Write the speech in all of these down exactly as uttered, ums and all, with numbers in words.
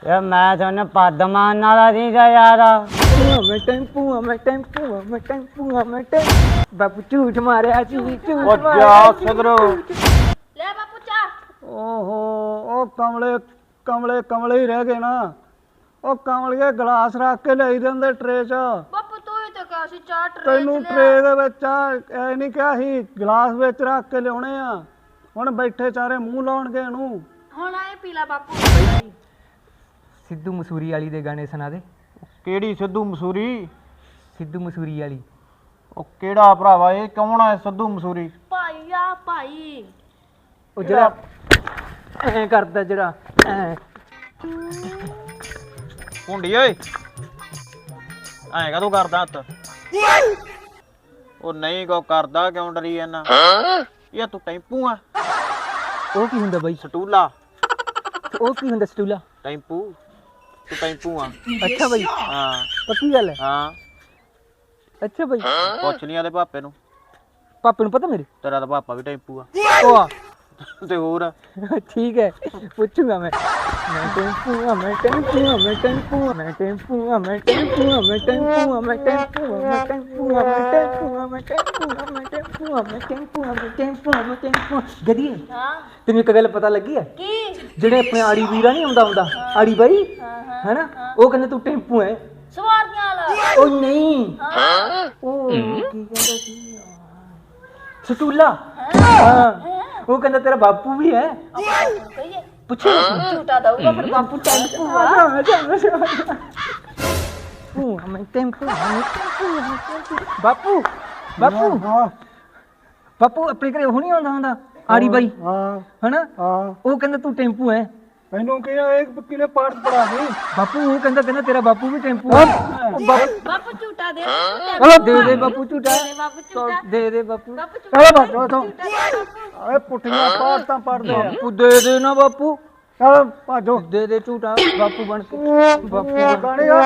यार मैं थोड़ा पद मारने वाला नहीं था यार। मैं टेंपू मैं टेंपू मैं टेंपू मैं टेंपू बापू झूठ मारे जी झूठ जा सदरो ले बापू चा। ओहो ओ कमले कमले कमले ही रह गए ना। ओ कमलिए गिलास रख के ले दिंदे ट्रे च। बापू तू ही तो कहा सी चाह ट्रे ਤੈਨੂੰ ट्रे ਦੇ ਵਿੱਚ ਐ ਨਹੀਂ ਕਿਹਾ ਸੀ ਗਲਾਸ ਵਿੱਚ ਰੱਖ ਕੇ ਲਿਆਉਣੇ ਆ। ਹੁਣ ਬੈਠੇ ਚਾਰੇ ਮੂੰਹ ਲਾਉਣਗੇ ਇਹਨੂੰ। ਹੁਣ ਆਏ ਪੀ ਲੈ ਬਾਪੂ। सिद्धू मसूरी वाली दे गाने सुना दे। ਕਿਹੜੀ ਸਿੱਧੂ ਮਸੂਰੀ? सिद्धू मसूरी वाली ਉਹ ਕਿਹੜਾ ਭਰਾਵਾ ਇਹ ਕੌਣ ਆ ਸਿੱਧੂ ਮਸੂਰੀ? ਭਾਈ ਆ ਭਾਈ ਉਹ ਜਿਹੜਾ ਐ ਕਰਦਾ ਜਿਹੜਾ ਐ ਹੁੰਡੀ ਓਏ ਐਂ ਕਦੋਂ ਕਰਦਾ ਹੱਥ? ਉਹ ਨਹੀਂ ਕੋ ਕਰਦਾ ਕਿਉਂ ਡਰੀ ਜਾਂਦਾ? ਇਹ ਤੂੰ ਟੈਂਪੂ ਆ? ਉਹ ਕੀ ਹੁੰਦਾ ਬਾਈ? ਸਟੂਲਾ ਉਹ ਕੀ ਹੁੰਦਾ ਸਟੂਲਾ? ਟੈਂਪੂ ਤੂੰ ਟੈਂਪੂ ਆ? ਅੱਛਾ ਬਾਈ ਹਾਂ ਪੱਕੀ ਗੱਲ ਹੈ। ਹਾਂ ਅੱਛਾ ਬਾਈ ਪੁੱਛ ਲਈ ਆਦੇ ਪਾਪੇ ਨੂੰ। ਪਾਪੇ ਨੂੰ ਪਤਾ ਮੇਰੇ? ਤੇਰਾ ਤਾਂ ਪਾਪਾ ਵੀ ਟੈਂਪੂ ਆ ਉਹ ਆ ਤੇ ਹੋਰ ठीक है पूछूंगा मैं मैं टेंपू मैं टेंपू मैं टेंपू मैं टेंपू मैं टेंपू मैं टेंपू मैं टेंपू मैं टेंपू मैं टेंपू मैं टेंपू मैं टेंपू मैं टेंपू मैं टेंपू मैं टेंपू गधीए ਹਾਂ ਤੈਨੂੰ ਇੱਕ ਗੱਲ ਪਤਾ ਲੱਗੀ ਹੈ? ਕੀ ਜਿਹੜੇ ਆਪਣੇ ਆੜੀ ਵੀਰਾ ਨਹੀਂ ਆਉਂਦਾ ਹੁੰਦਾ ਆੜੀ ਬਾਈ ਹੈਨਾ ਉਹ ਕਹਿੰਦੇ ਤੂੰ ਟੈਂਪੂ ਹੈ। ਸਵਾਰੀਆਂ ਵਾਲਾ ਉਹ ਨਹੀਂ ਉਹ ਕੀ ਕਹਿੰਦਾ ਸੀ ਸਟੂਲਾ ਹਾਂ ਉਹ ਕਹਿੰਦਾ ਤੇਰਾ ਬਾਪੂ ਵੀ ਹੈ। ਕਹੀਏ ਪੁੱਛੋ ਝੂਟਾ ਦਊਗਾ ਫਿਰ ਬਾਪੂ ਟੈਂਪੂ ਆ। ਮੈਂ ਟੈਂਪੂ ਬਾਪੂ ਬਾਪੂ ਬਾਪੂ ਆਪਣੇ ਘਰੇ ਉਹ ਨਹੀਂ ਆਉਂਦਾ ਹੁੰਦਾ ਆੜੀ ਬਾਈ ਹਾਂ ਹਨਾ ਹਾਂ ਉਹ ਕਹਿੰਦਾ ਤੂੰ ਟੈਂਪੂ ਹੈ। ਮੈਨੂੰ ਕਿਹਾ ਇੱਕ ਕਿਲੇ ਪਾਠ ਪੜਾ ਦੇ। ਬਾਪੂ ਉਹ ਕਹਿੰਦਾ ਕਹਿੰਦਾ ਤੇਰਾ ਬਾਪੂ ਵੀ ਟੈਂਪੂ ਹੈ। ਬਾਪੂ ਝੂਟਾ ਦੇ ਦੇ ਦੇ ਬਾਪੂ ਝੂਟਾ ਦੇ ਬਾਪੂ ਝੂਟਾ ਦੇ ਦੇ ਬਾਪੂ ਬਾਪੂ ਚਲੋ ਬਾਜੋ ਤੋਂ ਝੂਟਾ ਦੇ ਬਾਪੂ। ਓਏ ਪੁੱਠੀਆਂ ਪਾਠ ਤਾਂ ਪੜਦੇ ਆ। ਬਾਪੂ ਦੇ ਦੇ ਨਾ ਬਾਪੂ ਚਲ ਭਾਜੋ ਦੇ ਦੇ ਝੂਟਾ ਬਾਪੂ ਬਣ ਕੇ ਬਾਪੂ ਬਣ ਗਾਣੇ ਗਾ।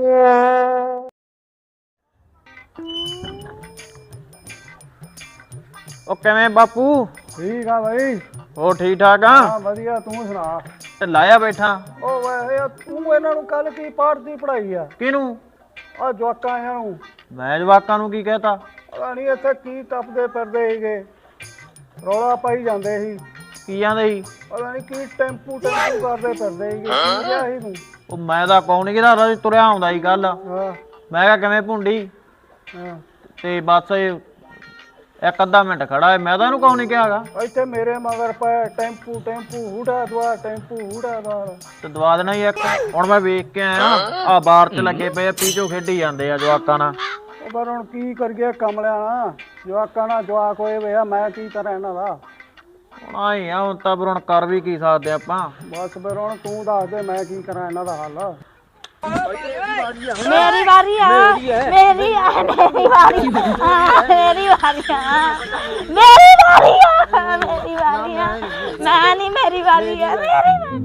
ਉਹ ਕਿਵੇਂ ਬਾਪੂ? ਠੀਕ ਆ ਬਾਈ। ਉਹ ਠੀਕ ਠਾਕ ਆ? ਹਾਂ ਵਧੀਆ ਤੂੰ ਸੁਣਾ? ਤੇ ਲਾਇਆ ਬੈਠਾ। ਉਹ ਵੇ ਤੂੰ ਇਹਨਾਂ ਨੂੰ ਕੱਲ ਕੀ ਪਾਠ ਦੀ ਪੜਾਈ ਆ? ਕਿਹਨੂੰ? ਆ ਜਵਾਕਾਂ ਇਹਨਾਂ ਨੂੰ। ਮੈਂ ਜਵਾਕਾਂ ਨੂੰ ਕੀ ਕਹਿਤਾ? ਪਤਾ ਨਹੀਂ ਇੱਥੇ ਕੀ ਟੱਪਦੇ ਫਿਰਦੇ ਸੀਗੇ ਰੌਲਾ ਪਾਈ ਜਾਂਦੇ ਸੀ। ਕੀ ਜਾਂਦੇ ਸੀ? ਪਤਾ ਨਹੀਂ ਕੀ ਟੈਂਪੂ ਟੈਂਪੂ ਕਰਦੇ ਫਿਰਦੇ ਸੀਗੇ। ਕੀ ਕਿਹਾ ਸੀ ਤੂੰ? ਉਹ ਮੈਂ ਤਾਂ ਕੌਣ ਨਹੀਂ ਕਿਹਦਾ ਤੁਰਿਆ ਆਉਂਦਾ ਸੀ ਕੱਲ। ਮੈਂ ਕਿਹਾ ਕਿਵੇਂ ਭੁੰਡੀ ਤੇ ਬਸ ਇੱਕ ਅੱਧਾ ਮਿੰਟ ਖੜਾ ਹੈ। ਮੈਂ ਤਾਂ ਇਹਨੂੰ ਕੌਣ ਨਹੀਂ ਕਿਹਾਗਾ। ਇੱਥੇ ਮੇਰੇ ਮਗਰ ਪਏ ਟੈਂਪੂ ਟੈਂਪੂ ਹੂੜਾ ਦਵਾ ਟੈਂਪੂ ਹੂੜਾ ਦਵਾ ਤੇ ਦਵਾ ਦੇਣਾ ਹੀ ਇੱਕ। ਹੁਣ ਮੈਂ ਵੇਖ ਕੇ ਆਇਆ ਆ ਬਾਹਰ ਚ ਲੱਗੇ ਪਏ ਪੀਚੋ ਖੇਡੀ ਜਾਂਦੇ ਆ ਜਵਾਕਾਂ ਨਾਲ। ਪਰ ਹੁਣ ਕੀ ਕਰੀਏ ਕਮਲਿਆਂ ਨਾਲ ਜਵਾਕਾਂ ਨਾਲ ਜਵਾਕ ਹੋਏ ਵੇ ਆ ਮੈਂ ਕੀ ਕਰਾਂ ਇਹਨਾਂ ਦਾ। ਹੁਣ ਆਈ ਆ ਹੁਣ ਤਾਂ ਫਿਰ ਹੁਣ ਕਰ ਵੀ ਕੀ ਸਕਦੇ ਆਪਾਂ। ਬਸ ਫਿਰ ਹੁਣ ਤੂੰ ਦੱਸ ਦੇ ਮੈਂ ਕੀ ਕਰਾਂ ਇਹਨਾਂ ਦਾ ਹੱਲ। ਮੇਰੀ ਵਾਰੀ ਆ ਮੇਰੀ ਆ ਮੇਰੀ ਵਾਰੀ ਆ ਮੇਰੀ ਵਾਰੀ ਆ ਮੇਰੀ ਵਾਰੀ ਆ ਮੇਰੀ ਵਾਰੀ ਆ ਮੈਂ ਨਹੀਂ ਮੇਰੀ ਵਾਰੀ ਆ ਮੇਰੀ ਵਾਰੀ।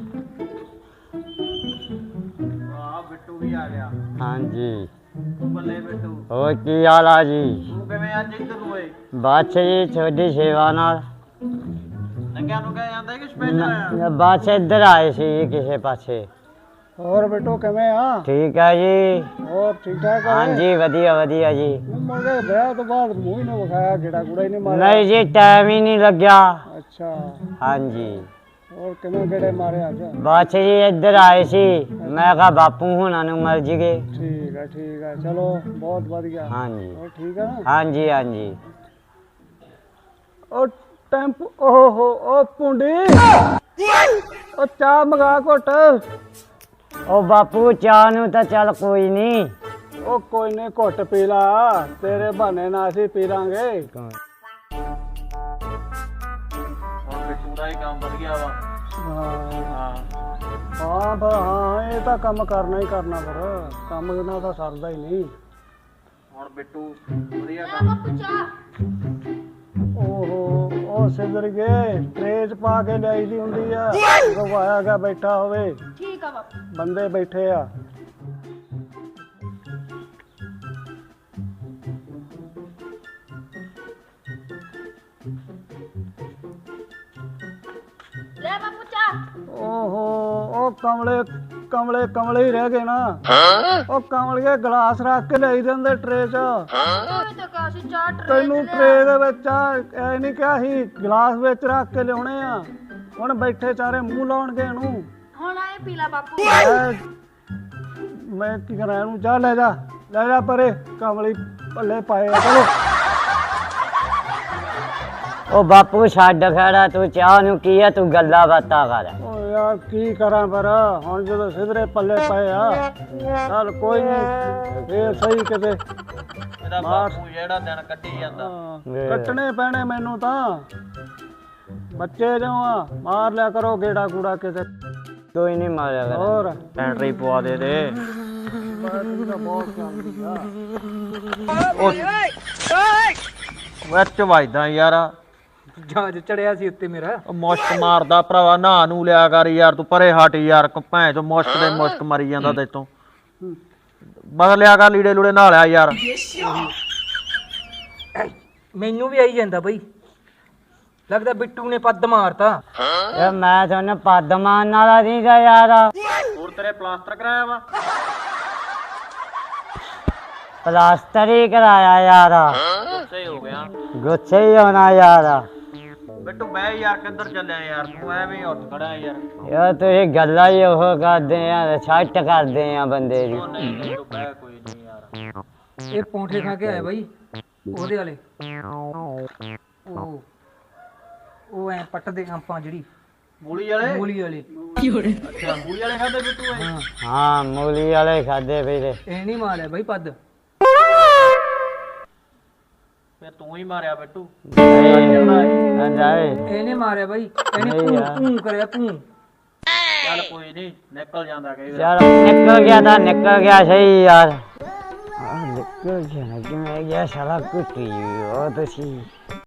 ਆ ਬਿੱਟੂ ਵੀ ਆ ਗਿਆ। हाँ जी ਬੱਲੇ ਬਿੱਟੂ और की हाल आ जी? ਤੂੰ ਕਿਵੇਂ ਅੱਜ ਇੱਧਰ ਨੂੰ ਓਏ? बादशाह जी छोटी सेवा नाल ਨੰਗਿਆ ਨੂੰ ਕਹਿ ਜਾਂਦਾ ਕਿ ਸਪੈਸ਼ਲ ਆਇਆ? बादशाह इधर आए सी जी किसी पासे। ਹੋਰ ਬਿੱਟੂ ਕਿਵੇਂ ਆ? ठीक है जी। ਹੋਰ ਠੀਕ ਠਾਕ ਆ? हाँ जी वधिया वधिया जी। ਮੁੰਡੇ ਵਿਆਹ ਤੋਂ ਬਾਅਦ ਮੂੰਹ ਹੀ ਨਾ ਵਿਖਾਇਆ ਗੇੜਾ ਗੂੜਾ ਹੀ ਨਹੀਂ ਮਾਰਿਆ? नहीं जी टाइम ही नहीं लग गया। ਅੱਛਾ हाँ जी ਹੋਰ ਕਿਵੇਂ ਗੇੜੇ ਮਾਰੇ ਅੱਜ? बादशाह जी इधर आए सी मैं कहा बापू होना नु मर जी गए। ਠੀਕ ਆ ਠੀਕ ਆ ਚਲੋ ਬਹੁਤ ਵਧੀਆ। हाँ जी ਹੋਰ ਠੀਕ ਆ ਨਾ? हाँ जी हाँ जी। ਉਹ ਟੈਂਪੂ ਓਹੋ ਉਹ ਪੁੰਡੀ ਉਹ ਚਾਹ ਮੰਗਾ ਘੁੱਟ। ओ बापू चाह नु तो चल कोई नहीं। ਉਹ ਕੋਈ ਨਹੀਂ ਘੁੱਟ ਪੀ ਲਾ ਤੇਰੇ ਬਹਾਨੇ ਨਾਲ ਅਸੀਂ ਪੀ ਲਾਂਗੇ। ਹੁਣ ਬਿੱਟੂ ਦਾ ਹੀ ਕੰਮ ਵਧ ਗਿਆ ਵਾ। ਹਾਂ ਹਾਂ ਹਾਂ ਬਾ ਹਾਂ ਇਹ ਤਾਂ ਕੰਮ ਕਰਨਾ ਹੀ ਕਰਨਾ ਫਿਰ ਕੰਮ ਇਹਨਾਂ ਦਾ ਸਰਦਾ ਹੀ ਨਹੀਂ। ਹੁਣ ਬਿੱਟੂ ਵਧੀਆ ਕੰਮ। ਬਾਪੂ ਚਾਹ ਓਹੋ ਉਹ ਸਿੱਧਰ ਗਏ ਟਰੇ ਚ ਪਾ ਕੇ ਲਿਆਈ ਦੀ ਹੁੰਦੀ ਆ। ਗਵਾਇਆ ਗਾ ਬੈਠਾ ਹੋਵੇ ਠੀਕ ਆ ਬਾਪੂ। ਬੰਦੇ ਬੈਠੇ ਆ। ਲੈ ਬਾਪੂ ਚਾਹ। ਓਹੋ ਉਹ ਕਮਲੇ ਕਮਲੇ ਕਮਲੇ ਹੀ ਰਹਿ ਗਏ ਨਾ ਉਹ ਕਮਲੀਏ ਗਲਾਸ ਰੱਖ ਕੇ ਲਈ ਜਾਂਦੇ ਟਰੇ 'ਚ ਤੈਨੂੰ ਟਰੇ ਦੇ ਵਿੱਚ ਐ ਨਹੀਂ ਕਿਹਾ ਸੀ ਗਲਾਸ ਵਿੱਚ ਰੱਖ ਕੇ ਲਿਆਉਣੇ ਆ ਹੁਣ ਬੈਠੇ ਚਾਰੇ ਮੂੰਹ ਲਾਉਣਗੇ ਇਹਨੂੰ ਹੁਣ ਆਏ ਪੀਲਾ ਬਾਪੂ ਮੈਂ ਕੀ ਕਰਾਂ ਇਹਨੂੰ ਜਾ ਲੈ ਜਾ ਲੈ ਜਾ ਪਰੇ ਕਮਲੀ ਭੱਲੇ ਪਾਏ ਆ ਚਲੋ ਉਹ ਬਾਪੂ ਛੱਡ ਖੜਾ ਤੂੰ ਚਾਹ ਨੂੰ ਕੀ ਆ ਤੂੰ ਗੱਲਾਂ ਬਾਤਾਂ ਕਰ ਓ ਯਾਰ ਕੀ ਕਰਾਂ ਪਰ ਹੁਣ ਜਦੋਂ ਸਿਧਰੇ ਪੱਲੇ ਪਏ ਆ ਚੱਲ ਕੋਈ ਨਹੀਂ ਫੇਰ ਸਹੀ ਕਿਤੇ ਇਹਦਾ ਬਾਪੂ ਜਿਹੜਾ ਦਿਨ ਕੱਢੀ ਜਾਂਦਾ ਹਾਂ, ਕੱਟਣੇ ਪੈਣੇ ਮੈਨੂੰ ਤਾਂ ਬੱਚੇ ਜੋ ਆ ਮਾਰ ਲਿਆ ਕਰੋ ਗੇੜਾ ਕੂੜਾ ਕਿਤੇ ਕੋਈ ਨਹੀਂ ਮਾਰਿਆ ਕਰ ਹੋਰ ਬੈਟਰੀ ਪਵਾ ਦੇ ਦੇ ਬੈਟਰੀ ਤਾਂ ਬਹੁਤ ਚੱਲਦੀ ਆ ਵਿੱਚ ਵੱਜਦਾ ਯਾਰ ਜਹਾਜ਼ ਚੜਿਆ ਸੀ ਉੱਤੇ ਮੇਰਾ ਉਹ ਮੁਸ਼ਕ ਮਾਰਦਾ ਭਰਾਵਾ ਨਹਾ ਨੂੰ ਲਿਆ ਕਰ ਯਾਰ ਤੂੰ ਪਰੇ ਹਟ ਯਾਰ ਭੈਣ ਚੋ ਮੁਸ਼ਕ ਦੇ ਮੁਸ਼ਕ ਮਰੀ ਜਾਂਦਾ ਤੇਤੋਂ ਬਦਲ ਲਿਆ ਕਰ ਲੀੜੇ ਲੂੜੇ ਨਹਾ ਲਿਆ ਯਾਰ ਮੈਨੂੰ ਵੀ ਆਈ ਜਾਂਦਾ ਬਈ ਲੱਗਦਾ ਬਿੱਟੂ ਨੇ ਪੱਦ ਮਾਰਤਾ ਯਾਰ ਮੈਂ ਤੁਹਾਨੂੰ ਪੱਦ ਮਾਰਨ ਵਾਲਾ ਨਹੀਂ ਗਾ ਯਾਰ ਹੋਰ ਤੇਰੇ ਪਲਾਸਟਰ ਕਰਾਇਆ ਵਾ ਪਲਾਸਟਰ ਹੀ ਕਰਾਇਆ ਯਾਰ ਸਹੀ ਹੋ ਗਿਆ ਗੁੱਸੇ ਹੀ ਹੋਣਾ ਯਾਰ ਬਿੱਟੂ ਬਹਿ ਯਾਰ ਕਿੱਧਰ ਚੱਲਿਆ ਯਾਰ ਤੂੰ ਐਵੇਂ ਹੀ ਉੱਠ ਖੜਾ ਯਾਰ ਯਾਰ ਤੁਸੀਂ ਗੱਲਾਂ ਹੀ ਉਹ ਕਰਦੇ ਆ ਛੱਟ ਕਰਦੇ ਆ ਬੰਦੇ ਦੀ ਉਹ ਨਹੀਂ ਨਹੀਂ ਤੂੰ ਬਹਿ ਕੋਈ ਨਹੀਂ ਯਾਰ ਇਹ ਪੌਂਠੇ ਖਾ ਕੇ ਆਇਆ ਬਾਈ ਉਹਦੇ ਵਾਲੇ ਉਹ ਉਹ ਐ ਪੱਟਦੇ ਆਪਾਂ ਜਿਹੜੀ ਮੂਲੀ ਵਾਲੇ ਮੂਲੀ ਵਾਲੇ ਅੱਛਾ ਮੂਲੀ ਵਾਲੇ ਖਾਦੇ ਬਿੱਟੂ ਇਹ ਹਾਂ ਹਾਂ ਮੂਲੀ ਵਾਲੇ ਖਾਦੇ ਵੀਰੇ ਇਹ ਨਹੀਂ ਮਾਰਿਆ ਬਾਈ ਪੱਦ ਫੇਰ ਤੂੰ ਹੀ ਮਾਰਿਆ ਬਿੱਟੂ ਜਾਏ ਇਹਨੇ ਮਾਰਿਆ ਬਾਈ ਇਹਨੇ ਨਹੀਂ ਤੂੰ ਯਾਰ। ਤੂੰ ਕਰਿਆ ਤੂੰ ਚੱਲ ਕੋਈ ਨਹੀਂ ਨਿਕਲ ਜਾਂਦਾ ਕਈ ਵਾਰ ਯਾਰ ਨਿਕਲ ਗਿਆ ਤਾਂ ਨਿਕਲ ਗਿਆ ਸਹੀ ਯਾਰ ਆ ਨਿਕਲ ਗਿਆ ਕਿਵੇਂ ਗਿਆ ਸਾਲਾ ਕੁੱਤੀ ਉਹ ਤੁਸੀਂ